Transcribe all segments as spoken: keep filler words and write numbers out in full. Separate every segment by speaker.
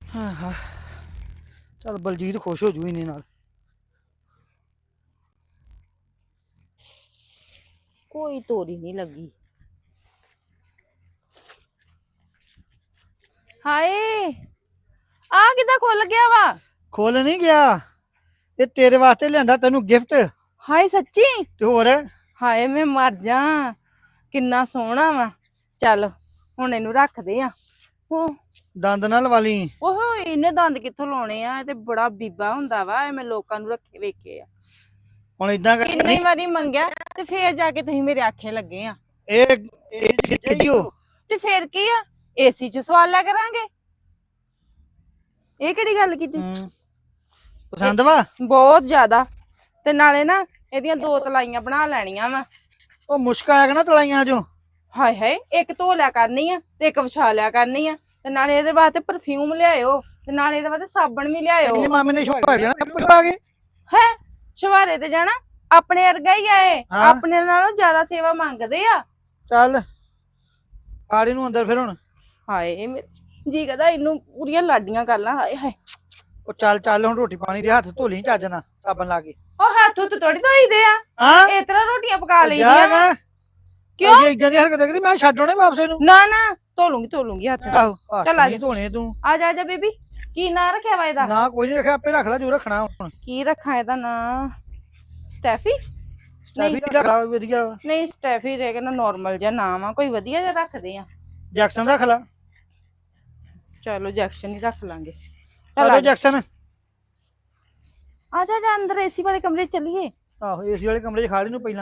Speaker 1: ਹਾਂ ਹਾਂ ਚੱਲ ਬਲਜੀਤ ਖੁਸ਼ ਹੋ ਜੂ ਇਹਨੇ ਨਾਲ।
Speaker 2: ਕੋਈ ਤੋਰੀ ਨਹੀਂ ਲੱਗੀ। ਹਾਏ ਆ ਕਿੱਦਾਂ ਖੁੱਲ ਗਿਆ ਵਾ?
Speaker 1: ਖੁੱਲ ਨਹੀਂ ਗਿਆ, ਇਹ ਤੇਰੇ ਵਾਸਤੇ ਲਿਆਂਦਾ ਤੈਨੂੰ ਗਿਫਟ।
Speaker 2: ਹਾਏ ਸੱਚੀ?
Speaker 1: ਤੇ ਹੋਰ
Speaker 2: ਹਾਏ ਮੈਂ ਮਰ ਜਾ, ਕਿੰਨਾ ਸੋਹਣਾ ਵਾ। ਚੱਲ ਹੁਣ ਇਹਨੂੰ ਰੱਖਦੇ ਆ। ਉਹ
Speaker 1: ਦੰਦ ਨਾਲ ਲਵਾ ਲਈ।
Speaker 2: ਉਹ ਇਹਨੇ ਦੰਦ ਕਿੱਥੋਂ ਲਾਉਣੇ ਆ? ਇਹ ਤੇ ਬੜਾ ਬੀਬਾ ਹੁੰਦਾ ਵਾ, ਇਹ ਮੈਂ ਲੋਕਾਂ ਨੂੰ ਰੱਖੇ ਵੇਖੇ ਆ।
Speaker 1: ਹੁਣ ਇਦਾਂ ਕਰ,
Speaker 2: ਕਿੰਨੀ ਵਾਰੀ ਮੰਗਿਆ ਤੇ ਫੇਰ ਜਾ ਕੇ ਤੁਸੀਂ ਮੇਰੇ ਆਖੇ ਲੱਗੇ ਆ।
Speaker 1: ਇਹ ਇਹ ਚੀਜ਼ੋ
Speaker 2: ਤੇ ਫੇਰ ਕੀ ਆ, ਏਸੀ ਚ ਸਵਾਲ ਲਿਆ ਕਰਾਂਗੇ। ਇਹ ਕਿਹੜੀ ਗੱਲ ਕੀਤੀ?
Speaker 1: ਪਸੰਦ ਵਾ
Speaker 2: ਬਹੁਤ ਜ਼ਿਆਦਾ। ਤੇ ਨਾਲੇ ਨਾ ਇਹਦੀਆਂ ਦੋ ਤਲਾਈਆਂ ਬਣਾ ਲੈਣੀਆਂ ਵਾ।
Speaker 1: ਉਹ ਮੁਸ਼ਕ ਆਇਆ ਨਾ ਤਲਾਈਆਂ ਚੋਂ।
Speaker 2: ਹਾਏ ਹਾਏ, ਇੱਕ ਧੋ ਲਿਆ ਕਰਨੀ ਆ ਤੇ ਇੱਕ ਵਿਛਾ ਲਿਆ ਕਰਨੀ ਆ। ਤੇ ਨਾਲੇ ਇਹਦੇ ਵਾਸਤੇ ਪਰਫਿਊਮ ਲਿਆਇਓ, ਤੇ ਨਾਲੇ ਇਹਦੇ ਵਾਸਤੇ ਸਾਬਣ ਵੀ ਲਿਆਇਓ।
Speaker 1: ਮਾਮੇ ਨੇ ਛੁਪਾੜਿਆ ਨਾ ਪਾ ਕੇ
Speaker 2: ਹੈ ਸ਼ਵਾਰੇ ਤੇ ਜਾਣਾ, ਆਪਣੇ ਵਰਗਾ ਹੀ ਆਏ, ਆਪਣੇ ਨਾਲੋਂ ਜ਼ਿਆਦਾ ਸੇਵਾ ਮੰਗਦੇ ਆ।
Speaker 1: ਚੱਲ ਆੜੀ ਨੂੰ ਅੰਦਰ ਫਿਰ। ਹੁਣ
Speaker 2: ਹਾਏ ਜੀ ਕਹਦਾ ਇਹਨੂੰ ਪੂਰੀਆਂ ਲਾਡੀਆਂ ਕਰ ਲਾਂ। ਹਾਏ ਹਾਏ
Speaker 1: ਉਹ ਚੱਲ ਚੱਲ ਹੁਣ ਰੋਟੀ ਪਾਣੀ ਦੇ ਹੱਥ ਧੋ ਲਈ ਚੱਜ ਨਾਲ ਸਾਬਣ ਲਾ ਕੇ।
Speaker 2: ਉਹ ਹੱਥ ਹੁੱਥ ਥੋੜੀ ਧੋਈਦੇ ਆ,
Speaker 1: ਹਾਂ
Speaker 2: ਇਸ ਤਰ੍ਹਾਂ ਰੋਟੀਆਂ ਪਕਾ ਲਈਦੀਆਂ।
Speaker 1: ਕਿਉਂ ਇਦਾਂ ਦੀ ਹਰਕਤ ਕਰੀ? ਮੈਂ ਛੱਡ ਆਉਣੇ ਵਾਪਸ ਇਹਨੂੰ।
Speaker 2: ਨਾ ਨਾ ਧੋ ਲੂੰਗੀ ਧੋ ਲੂੰਗੀ ਹੱਥ।
Speaker 1: ਆਹੋ
Speaker 2: ਚੱਲ ਆ ਜਾ
Speaker 1: ਧੋਣੇ ਤੂੰ।
Speaker 2: ਆ ਜਾ ਆ ਜਾ ਬੀਬੀ। ਕੀ ਨਾਂ ਰੱਖਿਆ ਵਾ ਇਹਦਾ?
Speaker 1: ਨਾ ਕੋਈ ਨਹੀਂ ਰੱਖਿਆ, ਆਪੇ ਰੱਖ ਲੈ ਜੋ ਰੱਖਣਾ। ਹੁਣ
Speaker 2: ਕੀ ਰੱਖਾਂ ਇਹਦਾ ਨਾਂ? ਸਟੈਫੀ?
Speaker 1: ਸਟੈਫੀ ਰੱਖ ਲਾ, ਵਧੀਆ।
Speaker 2: ਨਹੀਂ ਸਟੈਫੀ ਦੇ ਕੇ ਨਾ ਨਾਰਮਲ ਜਿਹਾ ਨਾਮ ਆ, ਕੋਈ ਵਧੀਆ ਜਿਹਾ ਰੱਖਦੇ ਆ।
Speaker 1: ਜੈਕਸਨ ਰੱਖ ਲਾ।
Speaker 2: ਚਲੋ ਜੈਕਸ਼ਨ ਹੀ ਰੱਖ ਲਾਂਗੇ।
Speaker 1: ਚਲੋ ਜੈਕਸਨ।
Speaker 2: ਆ ਜਾ ਜਾ ਅੰਦਰ ਏਸੀ ਵਾਲੇ ਕਮਰੇ ਚ ਚੱਲੀਏ।
Speaker 1: ਆਹੋ ਏਸੀ ਵਾਲੇ ਕਮਰੇ ਚ ਖਾ ਲਈ ਨੂੰ ਪਹਿਲਾਂ।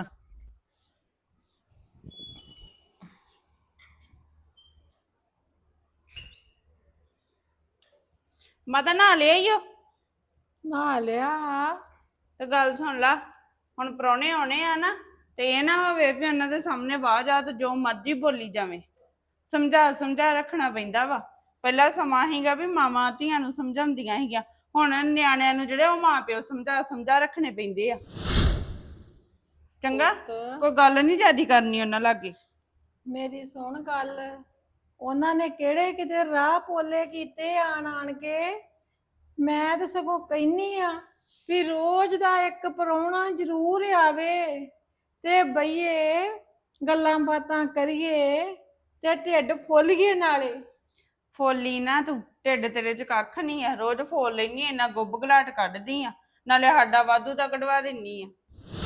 Speaker 2: ਮਾਤਾ ਨਹਾ ਲਿਆ ਈ ਓ?
Speaker 3: ਨਹਾ ਲਿਆ।
Speaker 2: ਤੇ ਗੱਲ ਸੁਣ ਲਾ, ਹੁਣ ਪ੍ਰਾਹੁਣੇ ਆਉਣੇ ਆ ਨਾ, ਤੇ ਇਹ ਨਾ ਹੋਵੇ ਵੀ ਉਹਨਾਂ ਦੇ ਸਾਹਮਣੇ ਆਵਾਜ਼ ਆ ਤੇ ਜੋ ਮਰਜ਼ੀ ਬੋਲੀ ਜਾਵੇ। ਸਮਝਾ ਸਮਝਾ ਰੱਖਣਾ ਪੈਂਦਾ ਵਾ। ਪਹਿਲਾਂ ਸਮਾਂ ਸੀਗਾ ਵੀ ਮਾਵਾਂ ਧੀਆਂ ਨੂੰ ਸਮਝਾਉਂਦੀਆਂ ਸੀਗੀਆਂ, ਹੁਣ ਨਿਆਣਿਆਂ ਨੂੰ ਜਿਹੜੇ ਉਹ ਮਾਂ ਪਿਓ ਸਮਝਾ ਸਮਝਾ ਰੱਖਣੇ ਪੈਂਦੇ ਆ। ਚੰਗਾ ਕੋਈ ਗੱਲ ਨਹੀਂ ਜ਼ਿਆਦੀ ਕਰਨੀ ਉਹਨਾਂ ਲਾਗੇ।
Speaker 3: ਮੇਰੀ ਸੁਣ ਗੱਲ, ਉਹਨਾਂ ਨੇ ਕਿਹੜੇ ਕਿਤੇ ਰਾਹ ਪੋਲੇ ਕੀਤੇ ਆਣ ਆਣ ਕੇ। ਮੈਂ ਤਾਂ ਸਗੋਂ ਕਹਿੰਨੀ ਆ ਵੀ ਰੋਜ਼ ਦਾ ਇੱਕ ਪ੍ਰਾਹੁਣਾ ਜ਼ਰੂਰ ਆਵੇ ਤੇ ਬਈਏ ਗੱਲਾਂ ਬਾਤਾਂ ਕਰੀਏ ਤੇ ਢਿੱਡ ਫੁੱਲੀਏ। ਨਾਲੇ
Speaker 2: ਫੋਲੀ ਨਾ ਤੂੰ, ਢਿੱਡ ਤੇਰੇ ਚ ਕੱਖ ਨਹੀਂ ਆ। ਰੋਜ਼ ਫੋਲ ਲੈਨੀ ਆ, ਇੰਨਾ ਗੁੱਬ ਗਲਾਟ ਕੱਢਦੀ ਆ, ਨਾਲੇ ਸਾਡਾ ਵਾਧੂ ਤਾਂ ਕਢਵਾ ਦਿੰਨੀ ਆ।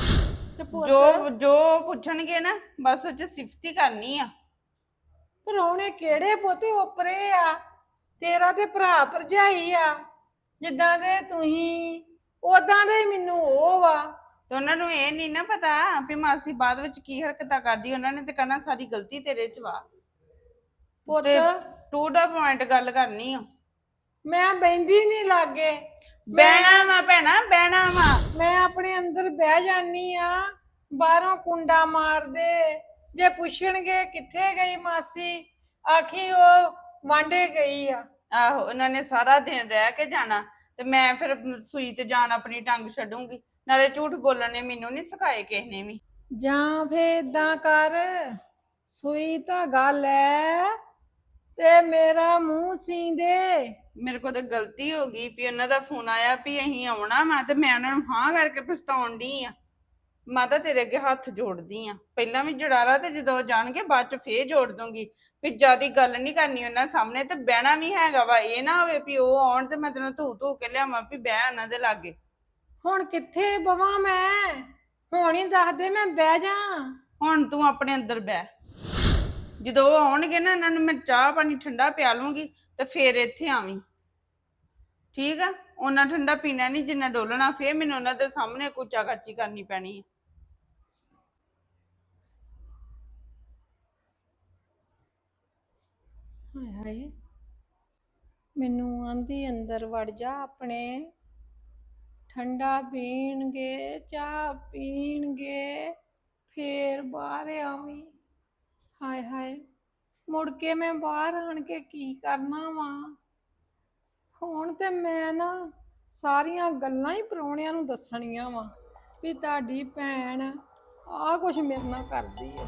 Speaker 2: ਜੋ ਜੋ ਪੁੱਛਣਗੇ ਨਾ ਬਸ ਉਹ ਚ ਸਿਫਤ ਹੀ ਕਰਨੀ ਆ।
Speaker 3: ਪ੍ਰਾਹੁਣੇ ਕਿਹੜੇ ਪੋਤੇ ਉਪਰੇ ਆ? ਤੇਰਾ ਤੇ ਭਰਾ ਭਰਜਾਈ ਆ, ਜਿੱਦਾਂ ਦੇ ਤੁਸੀਂ ਉਦਾਂ ਦੇ ਮੈਨੂੰ ਉਹ ਵਾ।
Speaker 2: ਤੇ ਉਹਨਾਂ ਨੂੰ ਇਹ ਨਹੀਂ ਨਾ ਪਤਾ ਵੀ ਮਾਸੀ ਬਾਅਦ ਵਿੱਚ ਕੀ ਹਰਕਤਾਂ ਕਰਦੀ। ਉਹਨਾਂ ਨੇ ਤੇ ਕਹਿਣਾ ਸਾਰੀ ਗਲਤੀ ਤੇਰੇ ਚ ਵਾ।
Speaker 3: ਪੁੱਤ
Speaker 2: ਟੂ ਦਾ ਪੁਆਇੰਟ ਗੱਲ ਕਰਨੀ ਆ।
Speaker 3: ਮੈਂ ਬਹਿੰਦੀ ਨਹੀਂ ਲਾਗੇ।
Speaker 2: ਬਹਿਣਾ ਵਾ ਭੈਣਾ, ਬਹਿਣਾ ਵਾ।
Speaker 3: ਮੈਂ ਆਪਣੇ ਅੰਦਰ ਬਹਿ ਜਾਨੀ ਆ, ਬਾਹਰੋਂ ਕੁੰਡਾ ਮਾਰਦੇ। ਜੇ ਪੁੱਛਣਗੇ ਕਿੱਥੇ ਗਈ ਮਾਸੀ, ਆਖੀ ਉਹ ਵਾਂਡੇ ਗਈ ਆ।
Speaker 2: ਆਹੋ ਉਹਨਾਂ ਨੇ ਸਾਰਾ ਦਿਨ ਰਹਿ ਕੇ ਜਾਣਾ, ਤੇ ਮੈਂ ਫਿਰ ਸੂਈ ਤੇ ਜਾਣ ਆਪਣੀ ਟੰਗ ਛੱਡੂੰਗੀ। ਨਾਲੇ ਝੂਠ ਬੋਲਣ ਨੇ ਮੈਨੂੰ ਨਹੀਂ ਸਿਖਾਏ ਕਿਸੇ ਨੇ ਵੀ।
Speaker 3: ਜਾਂ ਫੇਰ ਏਦਾਂ ਕਰ, ਸੂਈ ਧਾਗਾ ਲੈ ਤੇ ਮੇਰਾ ਮੂੰਹ ਸੀ ਦੇ।
Speaker 2: ਮੇਰੇ ਕੋਲ ਤਾਂ ਗਲਤੀ ਹੋ ਗਈ ਵੀ ਉਹਨਾਂ ਦਾ ਫੋਨ ਆਇਆ ਵੀ ਅਸੀਂ ਆਉਣਾ ਵਾ, ਤੇ ਮੈਂ ਉਹਨਾਂ ਨੂੰ ਹਾਂ ਕਰਕੇ ਪਛਤਾਉਣ ਡਈ ਆ। ਮੈਂ ਤਾਂ ਤੇਰੇ ਅੱਗੇ ਹੱਥ ਜੋੜਦੀ ਆ, ਪਹਿਲਾਂ ਵੀ ਜੜਾਲਾ ਤੇ ਜਦੋਂ ਜਾਣਗੇ ਬਾਅਦ ਚ ਫੇਰ ਜੋੜ ਦੂੰਗੀ। ਵੀ ਜਿਆਦੀ ਗੱਲ ਨਹੀਂ ਕਰਨੀ ਉਹਨਾਂ ਸਾਹਮਣੇ, ਤੇ ਬਹਿਣਾ ਵੀ ਹੈਗਾ ਵਾ। ਇਹ ਨਾ ਹੋਵੇ ਵੀ ਉਹ ਆਉਣ ਤੇ ਮੈਂ ਤੈਨੂੰ ਧੂ ਧੂ ਕੇ ਲਿਆਵਾਂ ਵੀ ਬਹਿ ਉਹਨਾਂ ਦੇ ਲਾਗੇ।
Speaker 3: ਹੁਣ ਕਿੱਥੇ ਬਵਾਂ ਮੈਂ? ਹੁਣ ਹੀ ਦੱਸ ਦੇ ਮੈਂ ਬਹਿ ਜਾ।
Speaker 2: ਹੁਣ ਤੂੰ ਆਪਣੇ ਅੰਦਰ ਬਹਿ। ਜਦੋਂ ਉਹ ਆਉਣਗੇ ਨਾ, ਇਹਨਾਂ ਨੂੰ ਮੈਂ ਚਾਹ ਪਾਣੀ ਠੰਡਾ ਪਿਆ ਲੂੰਗੀ, ਤੇ ਫੇਰ ਇੱਥੇ ਆਵੀਂ। ਠੀਕ ਆ? ਉਹਨਾਂ ਠੰਡਾ ਪੀਣਾ ਨਹੀਂ ਜਿੰਨਾ ਡੋਲਣਾ। ਫੇਰ ਮੈਨੂੰ ਉਹਨਾਂ ਦੇ ਸਾਹਮਣੇ ਕੁਚਾ ਕਾਚੀ ਕਰਨੀ ਪੈਣੀ ਹੈ।
Speaker 3: ਹਾਏ ਹਾਏ, ਮੈਨੂੰ ਆਂਦੀ ਅੰਦਰ ਵੜ ਜਾ ਆਪਣੇ। ਠੰਡਾ ਪੀਣਗੇ, ਚਾਹ ਪੀਣਗੇ, ਫੇਰ ਬਾਹਰ ਆਵੀਂ। ਹਾਏ ਹਾਏ, ਮੁੜ ਕੇ ਮੈਂ ਬਾਹਰ ਆਣ ਕੇ ਕੀ ਕਰਨਾ ਵਾ? ਹੁਣ ਤੇ ਮੈਂ ਨਾ ਸਾਰੀਆਂ ਗੱਲਾਂ ਹੀ ਪ੍ਰਾਹੁਣਿਆਂ ਨੂੰ ਦੱਸਣੀਆਂ ਵਾ ਵੀ ਤੁਹਾਡੀ ਭੈਣ ਆਹ ਕੁਛ ਮੇਰੇ ਨਾਲ ਕਰਦੀ ਹੈ।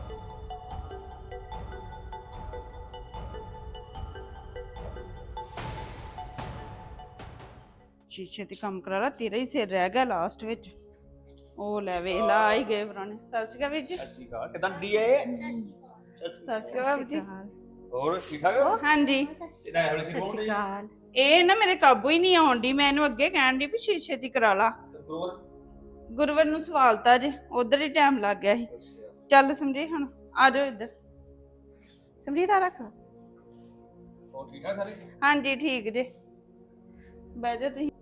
Speaker 2: ਸ਼ੀਸ਼ੇ ਤੇ ਕੰਮ ਕਰਾ ਲਾ, ਤੇਰਾ ਹੀ ਸਿਰ ਰਹਿ ਗਿਆ ਲਾਸਟ ਵਿੱਚ। ਉਹ ਲੈ ਵੇਖ ਲਾ, ਆ ਹੀ ਗਏ ਪੁਰਾਣੇ। ਸਤਿ ਸ਼੍ਰੀ ਅਕਾਲ ਵੀਰ ਜੀ।
Speaker 4: ਸਤਿ ਸ਼੍ਰੀ ਅਕਾਲ, ਕਿਦਾਂ ਡੀ ਏ?
Speaker 2: ਸਤਿ ਸ਼੍ਰੀ ਅਕਾਲ ਜੀ।
Speaker 4: ਹੋਰ ਠੀਕ ਠਾਕ?
Speaker 2: ਹਾਂਜੀ।
Speaker 4: ਇਹਦਾ ਇਹੋ ਜਿਹੀ ਫੋਨ ਨਹੀਂ
Speaker 2: ਇਹ ਨਾ ਮੇਰੇ ਕਾਬੂ ਹੀ ਨਹੀਂ ਆਉਣ ਦੀ, ਮੈਂ ਇਹਨੂੰ ਅੱਗੇ ਕਹਿਣ ਦੀ ਵੀ ਸ਼ੀਸ਼ੇ ਦੀ ਕਰਾ ਲਾ।
Speaker 4: ਹੋਰ
Speaker 2: ਗੁਰਵਰ ਨੂੰ ਸਵਾਲਤਾ ਜੇ, ਉਧਰ ਹੀ ਟਾਈਮ ਲੱਗ ਗਿਆ ਸੀ। ਚੱਲ ਸਮਝੀ ਹੁਣ, ਆ ਜਾਓ ਇੱਧਰ।
Speaker 5: ਸਮਰੀਤ ਆ ਰੱਖ।
Speaker 4: ਹੋਰ ਠੀਕ ਠਾਕ ਸਾਰੇ?
Speaker 2: ਹਾਂਜੀ ਠੀਕ ਜੇ, ਬਹਿ ਜਾਓ ਤੁਸੀਂ।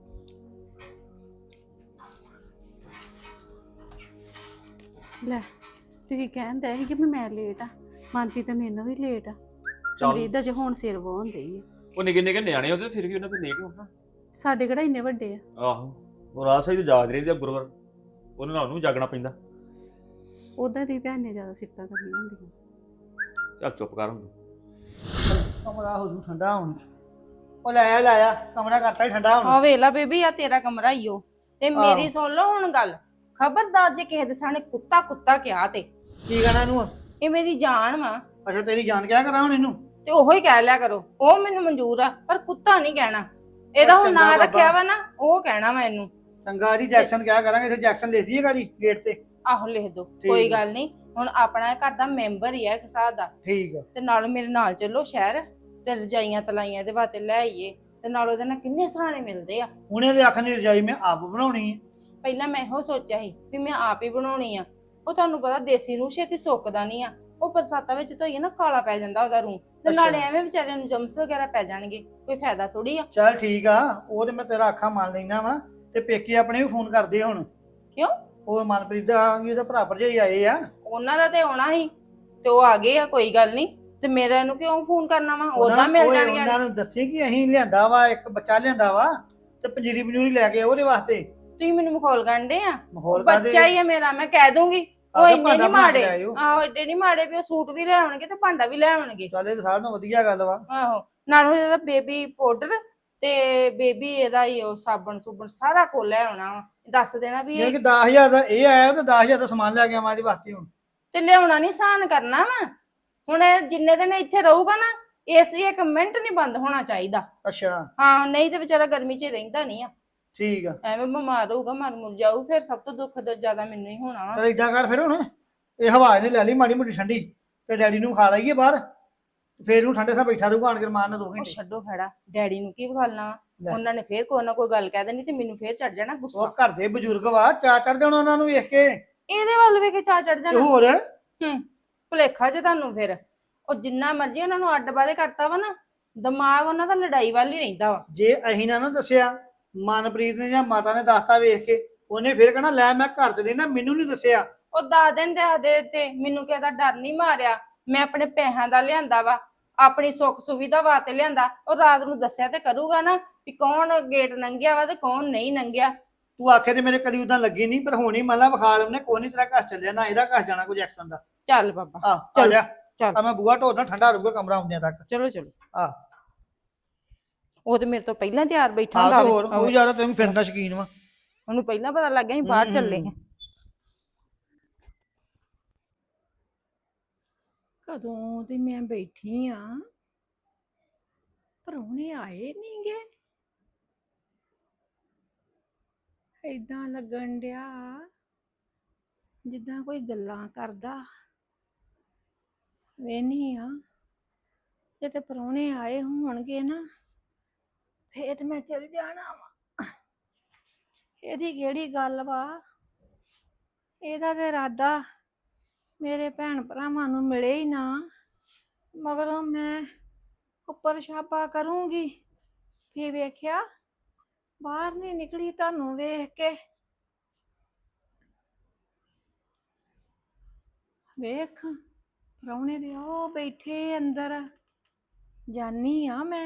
Speaker 5: ਲੈ ਤੁਸੀਂ ਕਹਿੰਦੇ ਸੀ ਕਿ ਵੀ ਮੈਂ ਲੇਟ ਆ, ਮਨਪ੍ਰੀਤ ਤਾਂ ਮੈਨੂੰ ਵੀ ਲੇਟ ਆ। ਸਮਰੀਤ ਦਾ ਜੇ ਹੁਣ ਸਿਰ ਵਾਹੁਣ ਡਈ ਆ।
Speaker 4: ਉਹ ਨਿੱਕੇ ਨਿੱਕੇ ਨਿਆਣੇ ਉਹਦੇ ਫਿਰ ਵੀ ਉਹਨਾਂ ਤੇ ਲੇਟ ਹੋਣਾ।
Speaker 5: ਸਾਡੇ ਕਿਹੜਾ ਇੰਨੇ ਵੱਡੇ ਆ।
Speaker 4: ਆਹੋ, ਉਹ ਰਾਤ ਸਹੀ ਤੇ ਜਾਗ ਰਹੀ ਤੇ ਗੁਰਵਰ ਉਹਨਾਂ ਨਾਲ ਉਹਨੂੰ ਵੀ ਜਾਗਣਾ ਪੈਂਦਾ।
Speaker 5: ਉਦਾਂ ਦੀ ਭੈਣ ਨੇ ਜ਼ਿਆਦਾ ਸਿਫਤਾਂ ਕਰਨੀਆਂ ਹੁੰਦੀਆਂ।
Speaker 4: ਚੱਲ ਚੁੱਪ ਕਰ ਹੁਣ।
Speaker 1: ਕਮਰਾ ਹੋ ਜੂ ਠੰਡਾ ਹੁਣ। ਉਹ ਲਾਇਆ ਲਾਇਆ ਕਮਰਾ ਕਰਤਾ ਹੀ ਠੰਡਾ ਹੁਣ।
Speaker 6: ਆ ਵੇਲਾ ਬੇਬੀ, ਆ ਤੇਰਾ ਕਮਰਾ ਹੀ ਓ। ਤੇ ਮੇਰੀ ਸੁਣ ਲਓ ਹੁਣ ਗੱਲ, ਖਬਰਦਾਰ ਜੇ ਕਿਸੇ ਦੇ ਸਾਹਮਣੇ ਕੁੱਤਾ ਕੁੱਤਾ ਕਿਹਾ ਤੇ
Speaker 1: ਕੀ ਕਹਿਣਾ ਇਹਨੂੰ?
Speaker 6: ਇਹ ਮੇਰੀ ਜਾਨ ਵਾ,
Speaker 1: ਅੱਛਾ ਤੇਰੀ ਜਾਨ ਕਿਆ ਕਰਾਂ ਹੁਣ ਇਹਨੂੰ?
Speaker 6: ਤੇ ਉਹੋ ਹੀ ਕਹਿ ਲਿਆ ਕਰੋ। ਉਹ ਮੈਨੂੰ ਮਨਜ਼ੂਰ ਆ, ਪਰ ਕੁੱਤਾ ਨਹੀਂ ਕਹਿਣਾ। ਇਹਦਾ ਹੁਣ
Speaker 1: ਚੰਗਾ
Speaker 6: ਨਾਂ
Speaker 1: ਬਾਬਾ।
Speaker 6: ਰੱਖਿਆ ਵਾ ਨਾ, ਉਹ ਕਹਿਣਾ ਵਾ ਇਹਨੂੰ।
Speaker 1: ਚੰਗਾ ਜੀ, ਜੈਕਸਨ ਕਿਆ ਕਰਾਂਗੇ? ਇੱਥੇ ਜੈਕਸਨ ਲਿਖ ਦਈਏ ਗਾੜੀ ਗੇਟ ਤੇ।
Speaker 6: ਆਹੋ ਲਿਖ ਦੋ,
Speaker 1: ਠੀਕ
Speaker 6: ਕੋਈ
Speaker 1: ਆ।
Speaker 6: ਗੱਲ ਨਹੀਂ। ਹੁਣ ਆਪਣਾ ਘਰ ਦਾ ਮੈਂਬਰ ਹੀ ਆ ਇੱਕ ਹਿਸਾਬ ਦਾ।
Speaker 1: ਠੀਕ ਆ।
Speaker 6: ਤੇ ਨਾਲ ਮੇਰੇ ਨਾਲ ਚੱਲੋ ਸ਼ਹਿਰ, ਤੇ ਰਜਾਈਆਂ ਤਲਾਈਆਂ ਦੇ ਵਾਸਤੇ ਲੈ ਆਈਏ। ਤੇ ਨਾਲ ਉਹਦੇ ਨਾਲ ਕਿੰਨੇ ਸਰਾਣੇ ਮਿਲਦੇ ਆ।
Speaker 1: ਉਹਨੇ ਦੇ ਆਖਣ ਦੀ ਰਜਾਈ ਮੈਂ ਆਪ ਬਣਾਉਣੀ ਹੈ।
Speaker 6: ਪਹਿਲਾਂ ਮੈਂ ਇਹੋ ਸੋਚਿਆ ਸੀ ਵੀ ਮੈਂ ਆਪ ਹੀ ਬਣਾਉਣੀ ਆ। ਉਹ ਤੁਹਾਨੂੰ ਪਤਾ ਦੇਸੀ ਰੂਹ ਛੇਤੀ ਸੁੱਕਦਾ ਨਹੀਂ ਆ। ਉਹ ਬਰਸਾਤਾਂ ਵਿੱਚ ਧੋਈਏ ਨਾ ਕਾਲਾ ਪੈ ਜਾਂਦਾ ਉਹਦਾ ਰੂਹ, ਤੇ ਨਾਲੇ ਐਵੇਂ ਵਿਚਾਰਿਆਂ ਨੂੰ ਜਮਸ ਵਗੈਰਾ ਪੈ ਜਾਣਗੇ, ਕੋਈ ਫਾਇਦਾ ਥੋੜੀ ਆ।
Speaker 1: ਚੱਲ ਠੀਕ ਆ, ਉਹ ਤੇ ਮੈਂ ਤੇਰਾ ਅੱਖਾਂ ਮੰਨ ਲੈਣਾ ਵਾ। ਤੇ ਪੇਕੇ ਆਪਣੇ ਵੀ ਫੋਨ ਕਰਦੇ ਹੁਣ।
Speaker 6: ਕਿਉਂ?
Speaker 1: ਉਹ ਮਨਪ੍ਰੀਤ ਦਾ ਵੀ ਉਹਦਾ ਭਰਾ ਭਰਜਾਈ ਆਏ ਆ।
Speaker 6: ਉਹਨਾਂ ਦਾ ਤੇ ਆਉਣਾ ਸੀ, ਤੇ ਉਹ ਆ ਗਏ ਆ, ਕੋਈ ਗੱਲ ਨਹੀਂ। ਤੇ ਮੇਰੇ ਨੂੰ ਕਿਉਂ ਫੋਨ ਕਰਨਾ ਵਾ? ਉਦਾਂ ਮਿਲ
Speaker 1: ਓਏ
Speaker 6: ਜਾਣਗੇ।
Speaker 1: ਉਹਨਾਂ ਨੂੰ ਦੱਸੇ ਕਿ ਅਸੀਂ ਲਿਆਂਦਾ ਵਾ, ਇੱਕ ਬੱਚਾ ਲਿਆਂਦਾ ਵਾ ਤੇ ਪੰਜੀਰੀ ਪੰਜੂਰੀ ਲੈ ਕੇ ਉਹਦੇ ਵਾਸਤੇ।
Speaker 6: ਤੁਸੀਂ ਮੈਨੂੰ ਮਖੌਲ ਗੰਢੇ ਆ।
Speaker 1: ਮਾਹੌਲ ਕਾਹਦੇ?
Speaker 6: ਬੱਚਾ ਹੀ ਆ ਮੇਰਾ, ਮੈਂ ਕਹਿ ਦੂੰਗੀ। ਉਹ
Speaker 1: ਆਪਦਾ
Speaker 6: ਇੰਨੇ
Speaker 1: ਭਾਂਡਾ
Speaker 6: ਨਹੀਂ
Speaker 1: ਬਣਾ ਕੇ
Speaker 6: ਮਾੜੇ।
Speaker 1: ਲੈ ਆਇਓ।
Speaker 6: ਆਹੋ ਏਡੇ ਨਹੀਂ ਮਾੜੇ ਵੀ ਉਹ ਸੂਟ ਵੀ ਲੈ ਆਉਣਗੇ ਤੇ ਭਾਂਡਾ ਵੀ ਲੈ ਆਉਣਗੇ।
Speaker 1: ਚੱਲ ਇਹ ਤਾਂ ਸਾਰਿਆਂ ਨਾਲੋਂ ਵਧੀਆ ਗੱਲ ਵਾ।
Speaker 6: ਆਹੋ, ਨਾਲ ਇਹਦਾ ਬੇਬੀ ਪਾਊਡਰ ਤੇ ਬੇਬੀ ਇਹਦਾ ਹੀ ਉਹ ਸਾਬਣ ਸੁਬਣ ਸਾਰਾ ਕੁਝ ਲੈ ਆਉਣਾ ਵਾ। ਦੱਸ ਦੇਣਾ ਵੀ
Speaker 1: ਜੇ
Speaker 6: ਇਹ
Speaker 1: ਕਿ ਦਸ ਹਜ਼ਾਰ ਦਾ ਇਹ ਆਇਆ ਤੇ ਦਸ ਹਜ਼ਾਰ ਦਾ ਸਮਾਨ ਲੈ ਕੇ ਆਵਾਂ ਇਹਦੇ ਵਾਸਤੇ ਹੁਣ।
Speaker 6: ਤੇ ਲਿਆਉਣਾ ਨਹੀਂ ਸਾਨ ਕਰਨਾ ਵਾ। ਹੁਣ ਇਹ ਜਿੰਨੇ ਦਿਨ ਇੱਥੇ ਰਹੂਗਾ ਨਾ, ਏਸੀ ਇੱਕ ਮਿੰਟ ਨਹੀਂ ਬੰਦ ਹੋਣਾ ਚਾਹੀਦਾ।
Speaker 1: ਅੱਛਾ
Speaker 6: ਹਾਂ, ਨਹੀਂ ਤੇ ਵਿਚਾਰਾ ਗਰਮੀ 'ਚ ਰਹਿੰਦਾ ਨਹੀਂ ਆ।
Speaker 1: ਠੀਕ ਆ।
Speaker 6: ਐਵੇਂ ਬਿਮਾਰ ਹੋਊਗਾ, ਮਰ ਮੁਰ ਜਾਊ, ਫਿਰ ਸਭ ਤੋਂ ਦੁੱਖ ਦ ਜ਼ਿਆਦਾ ਮੈਨੂੰ ਹੀ ਹੋਣਾ ਵਾ।
Speaker 1: ਚਲ ਏਦਾਂ ਕਰ ਫਿਰ ਹੁਣ, ਇਹ ਹਵਾ ਇਹਨੇ ਲੈ ਲਈ ਮਾੜੀ ਮੋਟੀ ਠੰਡੀ, ਤੇ ਡੈਡੀ ਨੂੰ ਖਾ ਲਈਏ ਬਾਹਰ, ਫੇਰ ਇਹਨੂੰ ਠੰਡੇ ਸਾਹ ਬੈਠਾ ਰਹੂਗਾ ਆਣ ਕੇ ਮਾਰਨ ਦੋ
Speaker 6: ਉਹ
Speaker 1: ਘੰਟੇ।
Speaker 6: ਛੱਡੋ ਖੜਾ, ਡੈਡੀ ਨੂੰ ਕੀ ਵਿਖਾਲਣਾ ਵਾ?
Speaker 1: ਲੈ।
Speaker 6: ਉਹਨਾਂ ਨੇ ਫੇਰ ਕੋਈ ਨਾ ਕੋਈ ਗੱਲ ਕਹਿ ਦੇਣੀ ਤੇ ਮੈਨੂੰ ਫੇਰ ਚੜ ਜਾਣਾ
Speaker 1: ਉਹ
Speaker 6: ਗੁੱਸਾ।
Speaker 1: ਘਰ ਦੇ ਬਜ਼ੁਰਗ ਵਾ, ਚਾ ਚੜ ਜਾਣਾ ਉਹਨਾਂ ਨੂੰ ਵੇਖ ਕੇ।
Speaker 6: ਇਹਦੇ ਵੱਲ ਵੇਖ ਕੇ ਚਾ ਚੜ
Speaker 1: ਤੇ
Speaker 6: ਜਾਣਾ।
Speaker 1: ਹੋਰ
Speaker 6: ਹੂੰ, ਭੁਲੇਖਾ ਜੇ ਤੁਹਾਨੂੰ ਫਿਰ। ਉਹ ਜਿੰਨਾ ਮਰਜ਼ੀ ਉਹਨਾਂ ਨੂੰ ਅੱਡ ਬਾਰੇ ਕਰਤਾ ਵਾ ਨਾ, ਦਿਮਾਗ ਉਹਨਾਂ ਦਾ ਲੜਾਈ ਵੱਲ ਹੀ ਰਹਿੰਦਾ ਵਾ।
Speaker 1: ਜੇ ਅਸੀਂ ਨਾ ਨਾ ਦੱਸਿਆ, ਮਨਪ੍ਰੀਤ ਨੇ ਜਾਂ ਮਾਤਾ ਨੇ ਦੱਸਤਾ ਵੇਖ ਕੇ, ਉਹਨੇ ਫੇਰ ਕਹਿਣਾ ਲੈ ਮੈਂ ਘਰ ਤੇ ਨਾ ਮੈਨੂੰ ਨਹੀਂ ਦੱਸਿਆ।
Speaker 6: ਉਹ ਦਸ ਦਿਨ ਦੇ ਦੇ ਤੇ ਮੈਨੂੰ ਕਿਸੇ ਦਾ ਡਰ ਨਹੀਂ ਮਾਰਿਆ। ਮੈਂ ਆਪਣੇ ਪੈਸਿਆਂ ਦਾ ਲਿਆਂਦਾ ਵਾ, ਆਪਣੀ ਸੁੱਖ ਸੁਵਿਧਾ ਵਾਸਤੇ ਲਿਆਂਦਾ। ਉਹ ਰਾਤ ਨੂੰ ਦੱਸਿਆ ਤੇ ਕਰੂਗਾ ਨਾ ਵੀ ਕੌਣ ਗੇਟ ਲੰਘਿਆ ਵਾ ਤੇ ਕੌਣ ਨਹੀਂ ਲੰਘਿਆ।
Speaker 1: ਤੂੰ ਆਖੇ ਤੇ ਮੇਰੇ ਕਦੀ ਉਦਾਂ ਲੱਗੀ ਨਹੀਂ, ਪਰ ਹੋਣੀ ਮੰਨ ਲਾ ਵਿਖਾ ਲਵਨੇ ਕੋਈ ਨਹੀਂ ਤੇਰਾ ਘਰ ਚੱਲਿਆ ਨਾ ਇਹਦਾ ਘਰ ਜਾਣਾ ਕੋਈ ਜੈਕਸਨ ਦਾ।
Speaker 6: ਚੱਲ ਬਾਬਾ,
Speaker 1: ਆਹ ਆ ਜਾ,
Speaker 6: ਚੱਲ।
Speaker 1: ਆ ਮੈਂ ਬੂਹਾ ਢੋਣਾ ਠੰਡਾ ਰਹੂਗਾ ਕਮਰਾ ਆਉਂਦਿਆਂ ਤੱਕ।
Speaker 6: ਚਲੋ ਚਲੋ।
Speaker 1: ਆਹ
Speaker 6: ਉਹ ਤੇ ਮੇਰੇ ਤੋਂ ਪਹਿਲਾਂ ਤਿਆਰ ਬੈਠਾ
Speaker 1: ਆਹ
Speaker 6: ਹੁੰਦਾ
Speaker 1: ਤੇ
Speaker 6: ਵਾ।
Speaker 1: ਹੋਰ ਉਹ ਜ਼ਿਆਦਾ ਤੈਨੂੰ ਫਿਰਨ ਦਾ ਸ਼ੌਕੀਨ ਵਾ।
Speaker 6: ਉਹਨੂੰ ਪਹਿਲਾਂ ਪਤਾ ਲੱਗ ਗਿਆ ਸੀ ਬਾਹਰ ਚੱਲੇ ਆ।
Speaker 3: ਕਦੋਂ ਦੀ ਮੈਂ ਬੈਠੀ ਆ, ਪ੍ਰਾਹੁਣੇ ਆਏ ਨੀ ਗੇ। ਏਦਾਂ ਲੱਗਣ ਡਿਆ ਜਿੱਦਾਂ ਕੋਈ ਗੱਲਾਂ ਕਰਦਾ। ਵੇਹਨੀ ਆ ਜੇ ਤੇ ਪ੍ਰਾਹੁਣੇ ਆਏ ਹੋਣਗੇ ਨਾ, ਫੇਰ ਤੇ ਮੈਂ ਚਲ ਜਾਣਾ ਵਾ। ਇਹਦੀ ਕਿਹੜੀ ਗੱਲ ਵਾ? ਇਹਦਾ ਤੇ ਇਰਾਦਾ ਮੇਰੇ ਭੈਣ ਭਰਾਵਾਂ ਨੂੰ ਮਿਲੇ ਹੀ ਨਾ, ਮਗਰੋਂ ਮੈਂ ਉੱਪਰ ਛਾਪਾ ਕਰੂੰਗੀ। ਫੇਰ ਵੇਖਿਆ ਬਾਹਰ ਨਹੀਂ ਨਿਕਲੀ ਤੁਹਾਨੂੰ ਵੇਖ ਕੇ। ਵੇਖ ਪ੍ਰਾਹੁਣੇ ਦੇ ਉਹ ਬੈਠੇ ਅੰਦਰ, ਜਾਨੀ ਆ ਮੈਂ।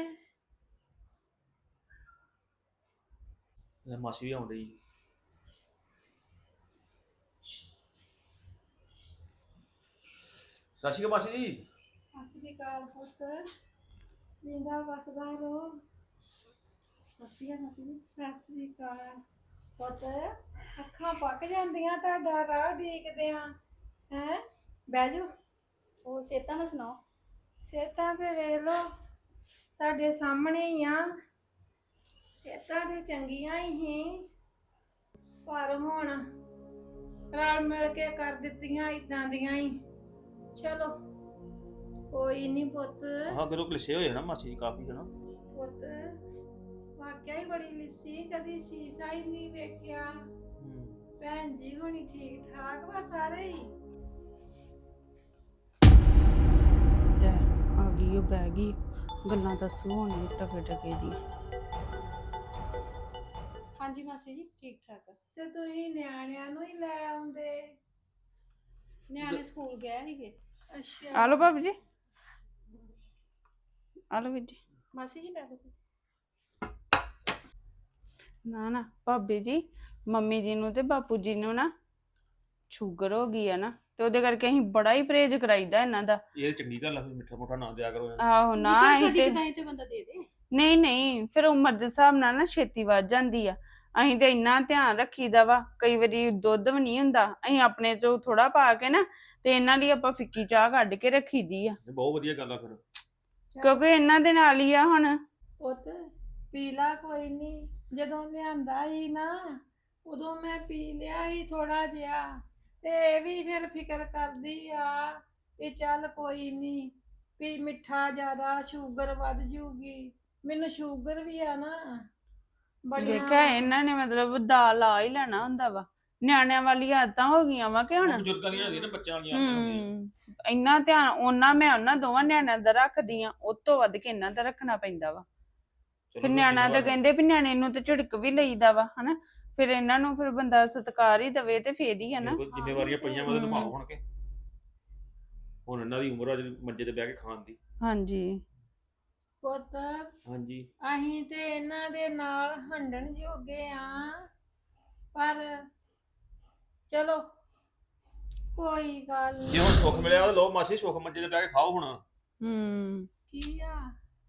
Speaker 4: ਮਾਸੀ ਵੀ ਆਉਂਦੀ। ਸਤਿ ਸ਼੍ਰੀ ਅਕਾਲ ਮਾਸੀ ਜੀ।
Speaker 3: ਸਤਿ ਸ੍ਰੀ ਅਕਾਲ ਪੁੱਤ, ਜਿੰਦਾ ਵਸਦਾ ਰਹੋ। ਸਤਿ ਸ੍ਰੀ ਅਕਾਲ ਪੁੱਤ, ਅੱਖਾਂ ਪੱਕ ਜਾਂਦੀਆਂ ਤੁਹਾਡਾ ਰਾਹ ਡੀਕਦੇ ਆ। ਹੈ ਬਹਿ ਜਾਓ।
Speaker 5: ਉਹ ਸੇਤਾ ਨਾ ਸੁਣਾਓ।
Speaker 3: ਸਿਹਤਾਂ ਤੇ ਵੇਖ ਲੋ ਤੁਹਾਡੇ ਸਾਹਮਣੇ ਹੀ ਆ। ਸਿਹਤਾਂ ਤੇ ਚੰਗੀਆਂ ਹੀ ਸੀ ਪਰ ਹੁਣ ਰਲ ਮਿਲ ਕੇ ਕਰ ਦਿੱਤੀਆਂ ਇਦਾਂ ਦੀਆਂ ਹੀ। ਚਲੋ ਕੋਈ ਨਹੀਂ ਪੁੱਤ।
Speaker 4: ਹਾਂ ਕਰੋ ਕਲਿਸ਼ੇ ਹੋਏ ਨਾ ਮਾਸੀ ਜੀ ਕਾਫੀ ਹਨਾ।
Speaker 3: ਪੁੱਤ ਵਾਕਿਆ ਹੀ ਬੜੀ ਲਿੱਸੀ, ਕਦੀ ਸ਼ੀਸ਼ਾ ਹੀ ਨਹੀਂ ਵੇਖਿਆ। ਭੈਣ ਜੀ ਹੁਣੀ ਠੀਕ ਠਾਕ ਵਾ ਸਾਰੇ ਹੀ?
Speaker 2: ਜੈ ਆ ਗਈ ਉਹ ਬਹਿ ਗਈ ਗੱਲਾਂ ਦੱਸੂ ਹੁਣ ਟਕੇ ਟਕੇ ਦੀ।
Speaker 5: ਹਾਂਜੀ ਮਾਸੀ ਜੀ ਠੀਕ ਠਾਕ ਆ।
Speaker 3: ਤੇ ਤੁਸੀਂ ਨਿਆਣਿਆਂ ਨੂੰ ਹੀ ਲੈ ਆਉਂਦੇ।
Speaker 5: ਨਿਆਣੇ ਸਕੂਲ ਗਏ ਸੀਗੇ।
Speaker 3: ਅੱਛਾ
Speaker 2: ਆ ਲਓ ਭਾਬੀ ਜੀ, ਆ ਲਓ ਵੀਰ ਜੀ।
Speaker 5: ਮਾਸੀ ਜੀ ਲੈ ਦੋ।
Speaker 2: ਨਾ ਨਾ ਭਾਬੀ ਜੀ, ਮੰਮੀ ਜੀ ਨੂੰ ਤੇ ਬਾਪੂ ਜੀ ਨੂੰ ਨਾ ਸ਼ੂਗਰ ਹੋ ਗਈ ਆ ਨਾ, ਤੇ ਉਹਦੇ ਕਰਕੇ ਅਸੀਂ ਬੜਾ ਹੀ ਪਰਹੇਜ਼ ਕਰਾਈਦਾ ਇਹਨਾਂ ਦਾ।
Speaker 4: ਇਹ ਚੰਗੀ ਗੱਲ ਆ, ਫਿਰ ਮਿੱਠਾ ਮੋਠਾ ਨਾ ਦਿਆ ਕਰੋ ਇਹਨਾਂ ਨੂੰ।
Speaker 2: ਆਹੋ ਨਾ ਅਸੀਂ
Speaker 5: ਕਦੀ
Speaker 2: ਤੇ
Speaker 5: ਕਦਾਈ ਤੇ ਬੰਦਾ ਦੇ ਦੇ।
Speaker 2: ਨਹੀਂ ਨਹੀਂ, ਫਿਰ ਉਮਰ ਦੇ ਹਿਸਾਬ ਨਾਲ ਨਾ ਛੇਤੀ ਵੱਧ ਜਾਂਦੀ ਆ। ਅਸੀਂ ਤੇ ਇੰਨਾ ਧਿਆਨ ਰੱਖੀਦਾ ਵਾ, ਕਈ ਵਾਰੀ ਦੁੱਧ ਵੀ ਨਹੀਂ ਹੁੰਦਾ, ਅਸੀਂ ਆਪਣੇ ਚੋਂ ਥੋੜਾ ਪਾ ਕੇ ਨਾ ਤੇ ਇਹਨਾਂ ਲਈ ਆਪਾਂ ਫਿੱਕੀ ਚਾਹ ਕੱਢ ਕੇ ਰੱਖੀਦੀ ਆ,
Speaker 4: ਇਹ ਬਹੁਤ ਵਧੀਆ ਗੱਲ ਆ ਫਿਰ।
Speaker 2: ਕਿਉਂਕਿ ਇਹਨਾਂ ਦੇ ਨਾਲ ਹੀ ਆ ਹੁਣ।
Speaker 3: ਪੁੱਤ ਪੀਲਾ ਕੋਈ ਨਹੀਂ, ਜਦੋਂ ਲਿਆਂਦਾ ਸੀ ਨਾ ਉਦੋਂ ਮੈਂ ਪੀ ਲਿਆ ਸੀ ਥੋੜਾ ਜਿਹਾ, ਤੇ ਇਹ ਵੀ ਫਿਰ ਫਿਕਰ ਕਰਦੀ ਆ ਵੀ ਚੱਲ ਕੋਈ ਨਹੀਂ ਵੀ ਮਿੱਠਾ ਜ਼ਿਆਦਾ ਸ਼ੂਗਰ ਵੱਧ ਜੂਗੀ। ਮੈਨੂੰ ਸ਼ੂਗਰ ਵੀ ਆ ਨਾ
Speaker 2: ਵੇਖਿਆ ਇਹਨਾਂ ਨੇ ਮਤਲਬ ਦਾਲ ਆ ਹੀ ਲੈਣਾ ਹੁੰਦਾ ਵਾ। ਨਿਆਣਿਆਂ ਵਾਲੀ ਆਦਤਾਂ ਹੋ ਗਈਆਂ ਵਾ ਕਿ ਹੁਣ।
Speaker 4: ਬਜ਼ੁਰਗਾਂ ਦੀਆਂ ਹੁੰਦੀਆਂ ਨਾ, ਬੱਚਿਆਂ ਵਾਲੀਆਂ ਆਦਤਾਂ ਹੁੰਦੀਆਂ।
Speaker 2: ਹੂੰ ਇੰਨਾ ਧਿਆਨ ਉਹਨਾਂ ਮੈਂ ਉਹਨਾਂ ਦੋਵਾਂ ਨਿਆਣਿਆਂ ਦਾ ਰੱਖਦੀ ਆ, ਉਹ ਤੋਂ ਵੱਧ ਕੇ ਇਹਨਾਂ ਦਾ ਰੱਖਣਾ ਪੈਂਦਾ ਵਾ।
Speaker 4: ਚਲੋ
Speaker 2: ਫਿਰ
Speaker 4: ਫਿਰ
Speaker 2: ਨਿਆਣਾ ਤਾਂ
Speaker 4: ਜ਼ਿੰਮੇਵਾਰ-
Speaker 2: ਕਹਿੰਦੇ ਵੀ ਨਿਆਣੇ ਨੂੰ ਤੇ ਝਿੜਕ ਵੀ ਲਈਦਾ ਵਾ ਹਨਾ, ਫਿਰ ਇਹਨਾਂ ਨੂੰ ਫਿਰ ਬੰਦਾ ਸਤਿਕਾਰ ਹੀ ਦਵੇ ਤੇ ਫੇਰ ਹੀ ਆ ਨਾ।
Speaker 4: ਬਿਲਕੁਲ, ਜ਼ਿੰਮੇਵਾਰੀਆਂ ਪਈਆਂ ਵਾ ਤੇ
Speaker 2: ਹਮ।
Speaker 4: ਨਿਭਾਓ ਹੁਣ ਕੇ। ਹੁਣ ਇਹਨਾਂ ਦੀ ਉਮਰ ਆ ਜਿਹੜੀ ਮੰਜੇ ਤੇ ਬਹਿ ਕੇ ਖਾਣ ਦੀ।
Speaker 2: ਹਾਂਜੀ
Speaker 3: ਪੁੱਤ
Speaker 4: ਹਾਂਜੀ
Speaker 3: ਅਸੀਂ ਤੇ ਇਹਨਾਂ ਦੇ ਨਾਲ ਹੰਡਣ ਜੋਗੇ ਆ, ਪਰ ਚਲੋ ਕੋਈ ਗੱਲ
Speaker 4: ਜੇ
Speaker 3: ਨਹੀਂ।
Speaker 4: ਹੁਣ ਸੁੱਖ ਮਿਲਿਆ ਤਾਂ ਲਓ ਮਾਸੀ, ਸੁੱਖ ਮੰਜੇ ਤੇ ਬਹਿ ਕੇ ਖਾਓ ਹੁਣ।
Speaker 2: ਹੂੰ
Speaker 3: ਕੀ ਆ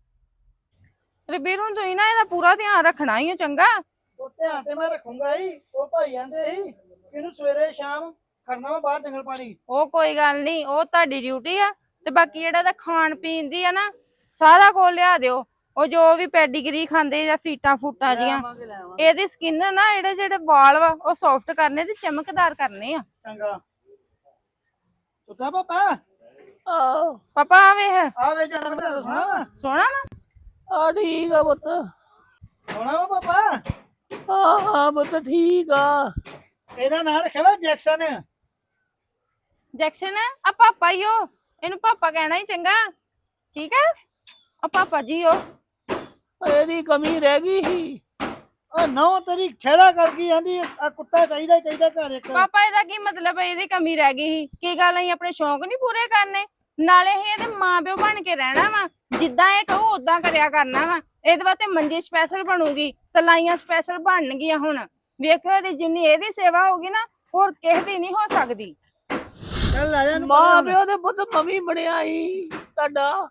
Speaker 6: ਰਬੀਰ ਹੁਣ ਤੁਸੀਂ ਨਾ ਇਹਦਾ ਪੂਰਾ ਧਿਆਨ ਰੱਖਣਾ ਹੀ ਆ ਚੰਗਾ।
Speaker 1: ਉਹ ਧਿਆਨ ਤੇ ਮੈਂ ਰੱਖੂੰਗਾ ਹੀ। ਉਹ ਭਾਈ ਆਂਦੇ ਸੀ ਇਹਨੂੰ ਸਵੇਰੇ ਸ਼ਾਮ ਖੜਨਾ ਵਾ ਬਾਹਰ ਜੰਗਲ ਪਾਣੀ।
Speaker 6: ਉਹ ਕੋਈ ਗੱਲ ਨਹੀਂ, ਉਹ ਤੁਹਾਡੀ ਡਿਊਟੀ ਆ। ਤੇ ਬਾਕੀ ਜਿਹੜਾ ਦਾ ਖਾਣ ਪੀਣ ਦੀ ਆ ਨਾ, ਸਾਰਾ ਕੁਝ ਲਿਆ ਦਿਓ। ਉਹ ਜੋ ਵੀ ਪੈਡੀਗਰੀ ਖਾਂਦੇ ਜਾਂ ਫੀਟਾਂ ਫੂਟਾਂ
Speaker 1: ਲੈ
Speaker 6: ਜੀਆਂ,
Speaker 1: ਆਵਾਂਗੇ, ਲੈ ਆਵਾਂਗੇ।
Speaker 6: ਇਹਦੀ ਸਕਿਨ ਨਾ ਜਿਹੜੇ ਜਿਹੜੇ ਵਾਲ ਵਾ ਉਹ ਸੌਫਟ ਕਰਨੇ ਤੇ ਚਮਕਦਾਰ ਕਰਨੇ ਆ।
Speaker 1: ਚੰਗਾ ਸੁੱਤਾ ਪਾਪਾ
Speaker 6: ਆਹ ਪਾਪਾ ਆ ਵੇਖ,
Speaker 1: ਆ ਵੇ ਜਾਣਾ ਬਤਾ ਸੋਣਾ ਵਾ
Speaker 6: ਸੋਹਣਾ ਨਾ।
Speaker 7: ਆ ਠੀਕ ਆ ਪੁੱਤ।
Speaker 1: ਸੋਣਾ ਵਾ ਪਾਪਾ।
Speaker 7: ਹਾਂ ਹਾਂ ਪੁੱਤ ਠੀਕ ਆ।
Speaker 1: ਇਹਦਾ ਨਾਂ ਰੱਖਿਆ ਵਾ ਜੈਕਸਨ।
Speaker 6: ਜੈਕਸ਼ਨ ਆ ਪਾਪਾ ਹੀ ਉਹ, ਇਹਨੂੰ ਪਾਪਾ ਕਹਿਣਾ ਹੀ ਚੰਗਾ, ਠੀਕ ਹੈ। ਆ ਪਾਪਾ ਜੀ ਉਹ
Speaker 7: ਇਹਦੀ ਕਮੀ ਰਹਿ ਗਈ ਸੀ।
Speaker 1: ਆ ਨੌ ਤੇਰੀ ਖੇੜਾ ਕਰ ਗਈ ਆਂਦੀ ਆ ਕੁੱਤਾ ਚਾਹੀਦਾ ਹੀ ਚਾਹੀਦਾ ਘਰ ਇੱਕ।
Speaker 6: ਪਾਪਾ ਇਹਦਾ ਕੀ ਮਤਲਬ ਹੈ? ਇਹਦੀ ਕਮੀ ਰਹਿ ਗਈ ਸੀ ਕੀ ਗੱਲ? ਅਸੀਂ ਆਪਣੇ ਸ਼ੌਂਕ ਨਹੀਂ ਪੂਰੇ ਕਰਨੇ? ਨਾਲੇ ਇਹ ਇਹਦੇ ਮਾਂ ਪਿਓ ਬਣ ਕੇ ਰਹਿਣਾ ਵਾ, ਜਿੱਦਾਂ ਇਹ ਕਹੂ ਉਦਾਂ ਕਰਿਆ ਕਰਨਾ ਵਾ। ਇਹਦੇ ਵਾਸਤੇ ਮੰਜੀ ਸਪੈਸ਼ਲ ਬਣੂਗੀ, ਤਲਾਈਆਂ ਸਪੈਸ਼ਲ ਬਣਨਗੀਆਂ। ਹੁਣ ਵੇਖਿਓ ਇਹਦੀ ਜਿੰਨੀ ਇਹਦੀ ਸੇਵਾ ਹੋਗੀ ਨਾ, ਹੋਰ ਕਿਸੇ ਦੀ ਨਹੀਂ ਹੋ ਸਕਦੀ।
Speaker 1: ਚੱਲ ਲੈ ਜਾ ਇਹਨੂੰ
Speaker 7: ਮਾਂ
Speaker 1: ਪਰਾਂ।
Speaker 7: ਪਿਓ ਦੇ ਪੁੱਤ ਮਵੀ ਬਣਿਆ ਸੀ ਤੁਹਾਡਾ।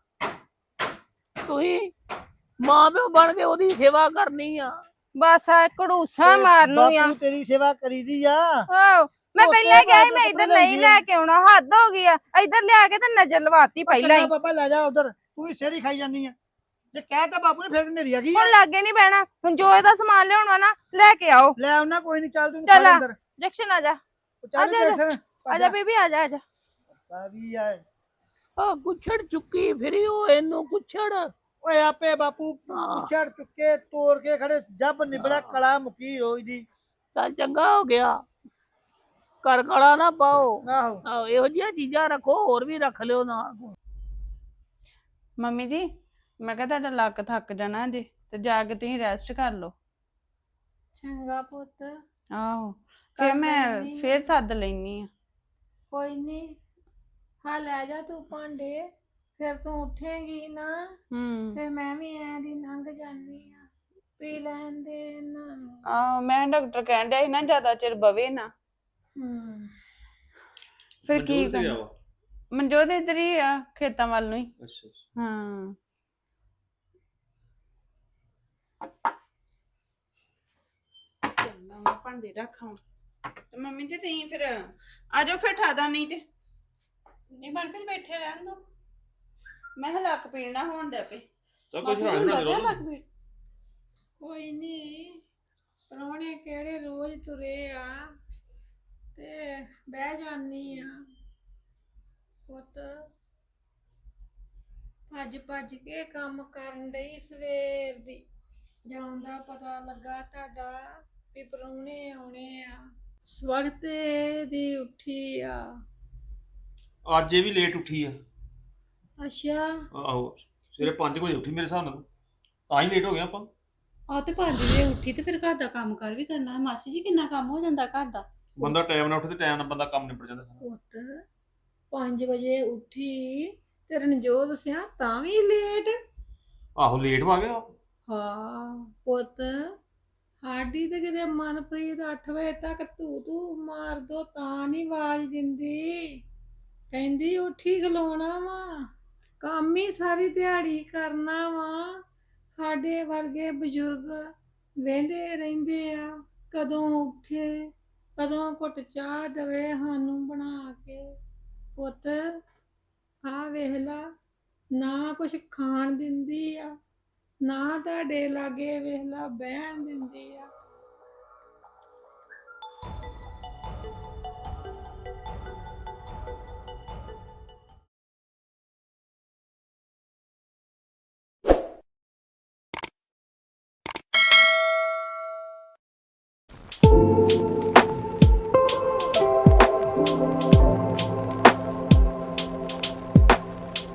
Speaker 7: ਤੁਸੀਂ ਮਾਂ ਪਿਓ ਬਣ ਕੇ ਉਹਦੀ ਸੇਵਾ ਕਰਨੀ ਆ।
Speaker 6: ਬਸ ਆ ਘੜੂਸਾ ਮਾਰਨੂ ਆ।
Speaker 1: ਬਾਪੂ ਤੇਰੀ ਸੇਵਾ ਕਰੀਦੀ ਆ।
Speaker 6: ਆਹੋ ਮੈਂ
Speaker 1: ਉਹ
Speaker 6: ਪਹਿਲਾਂ
Speaker 1: ਤੇ
Speaker 6: ਕਿਹਾ ਸੀ
Speaker 1: ਬਾਅਦ
Speaker 6: ਮੈਂ
Speaker 1: ਚ
Speaker 6: ਇੱਧਰ
Speaker 1: ਪਤਾ
Speaker 6: ਨਹੀਂ ਲੈ ਕੇ ਆਉਣਾ, ਹੱਦ ਹੋ ਗਈ ਆ। ਇੱਧਰ ਲਿਆ ਕੇ ਤੇ ਨਜ਼ਰ ਲਵਾਤੀ ਪਹਿਲਾਂ ਹੀ।
Speaker 1: ਚੰਗਾ ਪਾਪਾ ਲੈ ਜਾ ਉਧਰ, ਤੂੰ ਵੀ ਸਿਰ ਹੀ ਖਾਈ ਜਾਂਦੀ ਆ। ਜੇ ਕਹਿ ਤਾ ਬਾਪੂ ਨੇ ਫਿਰ ਨੇਰੀ ਆ ਗਈ ਆ।
Speaker 6: ਹੁਣ ਲਾਗੇ ਨਹੀਂ ਬਹਿਣਾ। ਹੁਣ ਜੋ ਇਹਦਾ ਸਮਾਨ ਲਿਆਉਣਾ ਨਾ ਲੈ ਕੇ ਆਓ।
Speaker 1: ਲੈ ਆਉਣਾ ਕੋਈ ਨਹੀਂ, ਚੱਲ ਤੂੰ
Speaker 6: ਚੱਲ ਆ।
Speaker 1: ਅੰਦਰ
Speaker 6: ਜੈਕਸ਼ਨ ਆ ਜਾ,
Speaker 1: ਚੱਲ
Speaker 6: ਆਜਾ, ਆਜਾ।
Speaker 1: ਜੈਕਸਨ,
Speaker 6: ਆ ਜਾ ਬੀਬੀ, ਆ ਜਾ ਆ ਜਾ।
Speaker 1: ਆ ਵੀ ਆ।
Speaker 7: ਆ ਕੁਛੜ ਚੁੱਕੀ ਫਿਰੀ ਉਹ ਇਹਨੂੰ ਕੁਛੜ।
Speaker 1: ਓਏ ਆਪੇ ਬਾਪੂ
Speaker 7: ਹਾਂ।
Speaker 1: ਛੜ ਚੁੱਕੇ ਤੋੜ ਕੇ ਖੜੇ, ਜੱਬ ਨਿਬੜਾ ਕਲਾ ਮੁਕੀ ਹੋਈ ਦੀ।
Speaker 7: ਚੱਲ ਚੰਗਾ ਹੋ ਗਿਆ, ਘਰ ਗਲਾ ਨਾ ਪਾਓ।
Speaker 1: ਆਹੋ
Speaker 7: ਆਹੋ ਇਹੋ ਜਿਹੀਆਂ ਚੀਜ਼ਾਂ ਰੱਖੋ, ਹੋਰ ਵੀ ਰੱਖ ਲਿਓ ਨਾਲ।
Speaker 2: ਮੰਮੀ ਜੀ ਮੈਂ ਕਿਹਾ ਤੁਹਾਡਾ ਲੱਕ ਥੱਕ ਜਾਣਾ ਜੇ, ਤੇ ਜਾ ਕੇ ਤੁਸੀਂ ਰੈਸਟ ਕਰ ਲਓ।
Speaker 3: ਚੰਗਾ ਪੁੱਤ
Speaker 2: ਆਹੋ
Speaker 3: ਕਰ
Speaker 2: ਫਿਰ ਮੈਂ
Speaker 3: ਲੈਂਦੀ ਆ।
Speaker 2: ਫਿਰ ਸੱਦ ਲੈਣੀ ਆ।
Speaker 3: ਕੋਈ ਨਹੀਂ, ਹਾਂ ਲੈ ਜਾ ਤੂੰ ਭਾਂਡੇ, ਫਿਰ ਤੂੰ ਉੱਠੇਂਗੀ ਨਾ
Speaker 2: ਹੂੰ
Speaker 3: ਫਿਰ ਮੈਂ ਵੀ ਐਂ ਦੀ ਲੰਘ ਜਾਨੀ ਆ। ਪੀ ਲੈਣ ਦੇ ਇਹਨਾਂ ਨੂੰ।
Speaker 2: ਆਹੋ ਮੈਂ ਡਾਕਟਰ ਕਹਿਣ ਡਿਆ ਸੀ ਨਾ ਜ਼ਿਆਦਾ ਚਿਰ ਬਵੇ ਨਾ,
Speaker 3: ਹੂੰ
Speaker 2: ਫਿਰ ਕੀ
Speaker 4: ਮਨਜੋਤ ਤੇ ਗਿਆ
Speaker 2: ਕਰਨਾ।
Speaker 4: ਵਾ।
Speaker 2: ਮਨਜੋਤ ਇੱਧਰ ਹੀ ਆ ਖੇਤਾਂ ਵੱਲ ਨੂੰ ਹੀ।
Speaker 4: ਅੱਛਾ ਅੱਛਾ।
Speaker 2: ਹਾਂ ਚੱਲਾਂ ਮੈਂ ਭਾਂਡੇ ਰੱਖਾਂ ਤੇ ਮੰਮੀ ਤੇ ਤੁਸੀਂ ਫਿਰ ਆ ਜਾਓ, ਫਿਰ ਠਾਦਾ ਨਹੀਂ ਤੇ
Speaker 5: ਨਹੀਂ ਮਨਪ੍ਰੀਤ ਬੈਠੇ ਰਹਿਣ ਦੋ।
Speaker 2: ਮੈਂ ਕਿਹਾ ਲੱਕ ਪੀਣਾ ਹੋਣ ਡਿਆ ਪਈ।
Speaker 4: ਚੱਲ ਕੋਈ
Speaker 5: ਮਾਸੀ ਜੀ
Speaker 4: ਸਹਾਰਾ
Speaker 5: ਨੂੰ
Speaker 4: ਬਣਾ
Speaker 5: ਲੱਗਿਆ
Speaker 4: ਲਓ।
Speaker 5: ਲੱਗ ਪਈ?
Speaker 3: ਕੋਈ ਨਹੀਂ, ਪ੍ਰਾਹੁਣੇ ਕਿਹੜੇ ਰੋਜ਼ ਤੁਰੇ ਆ ਤੇ ਬਹਿ ਜਾਨੀ ਆ। ਪੁੱਤ ਭੱਜ ਭੱਜ ਕੇ ਕੰਮ ਕਰਨ ਡਈ ਸਵੇਰ ਦੀ, ਜਦੋਂ ਦਾ ਪਤਾ ਲੱਗਾ ਤੁਹਾਡਾ ਵੀ ਪ੍ਰਾਹੁਣੇ ਆਉਣੇ ਆ। ਸਵਖਤੇ ਦੀ ਉੱਠੀ ਆ।
Speaker 4: ਅੱਜ ਇਹ ਵੀ ਲੇਟ ਉੱਠੀ ਆ।
Speaker 3: ਅੱਛਾ,
Speaker 4: ਆਹੋ ਸਵੇਰੇ ਪੰਜ ਵਜੇ ਉੱਠੀ ਮੇਰੇ ਹਿਸਾਬ ਨਾਲ, ਤਾਂ ਹੀ ਲੇਟ ਹੋ ਗਿਆ ਆਪਾਂ।
Speaker 5: ਆ ਤੇ ਪੰਜ ਵਜੇ ਉੱਠੀ ਤੇ ਫਿਰ ਘਰ ਦਾ ਕੰਮ ਕਰ ਵੀ ਕਰਨਾ ਹੈ। ਮਾਸੀ ਜੀ ਕਿੰਨਾ ਕੰਮ ਹੋ ਜਾਂਦਾ ਘਰ ਦਾ।
Speaker 4: ਬੰਦਾ ਟਾਈਮ ਨਾਲ ਉੱਠੇ ਤੇ ਟਾਈਮ ਨਾਲ ਬੰਦਾ ਕੰਮ ਨਿਬੜ ਜਾਂਦਾ ਸਾਰਾ।
Speaker 3: ਪੁੱਤ ਪੰਜ ਵਜੇ ਉੱਠੀ ਤੇ ਰਣਜੋਤ ਸਿਆ ਤਾਂ ਵੀ ਲੇਟ।
Speaker 4: ਆਹੋ ਲੇਟ ਹੋ ਗਿਆ।
Speaker 3: ਹਾਂ ਪੁੱਤ, ਸਾਡੀ ਤੇ ਕਿਤੇ ਮਨਪ੍ਰੀਤ ਅੱਠ ਵਜੇ ਤੱਕ ਤੂੰ ਤੂੰ ਮਾਰ ਦੋ ਤਾਂ ਨਹੀਂ ਆਵਾਜ਼ ਦਿੰਦੀ। ਕਹਿੰਦੀ ਉੱਠੀ ਖਲੋਣਾ ਵਾ, ਕੰਮ ਹੀ ਸਾਰੀ ਦਿਹਾੜੀ ਕਰਨਾ ਵਾ। ਸਾਡੇ ਵਰਗੇ ਬਜ਼ੁਰਗ ਵਹਿੰਦੇ ਰਹਿੰਦੇ ਆ ਕਦੋਂ ਉੱਠੇ, ਕਦੋਂ ਘੁੱਟ ਚਾਹ ਦੇਵੇ ਸਾਨੂੰ ਬਣਾ ਕੇ। ਪੁੱਤ ਆ ਵੇਖ ਲਾ, ਨਾ ਕੁਛ ਖਾਣ ਦਿੰਦੀ ਆ, ਨਾ ਤੁਹਾਡੇ ਲਾਗੇ ਵੇਖ ਲਾ ਬਹਿਣ ਦਿੰਦੀ ਆ।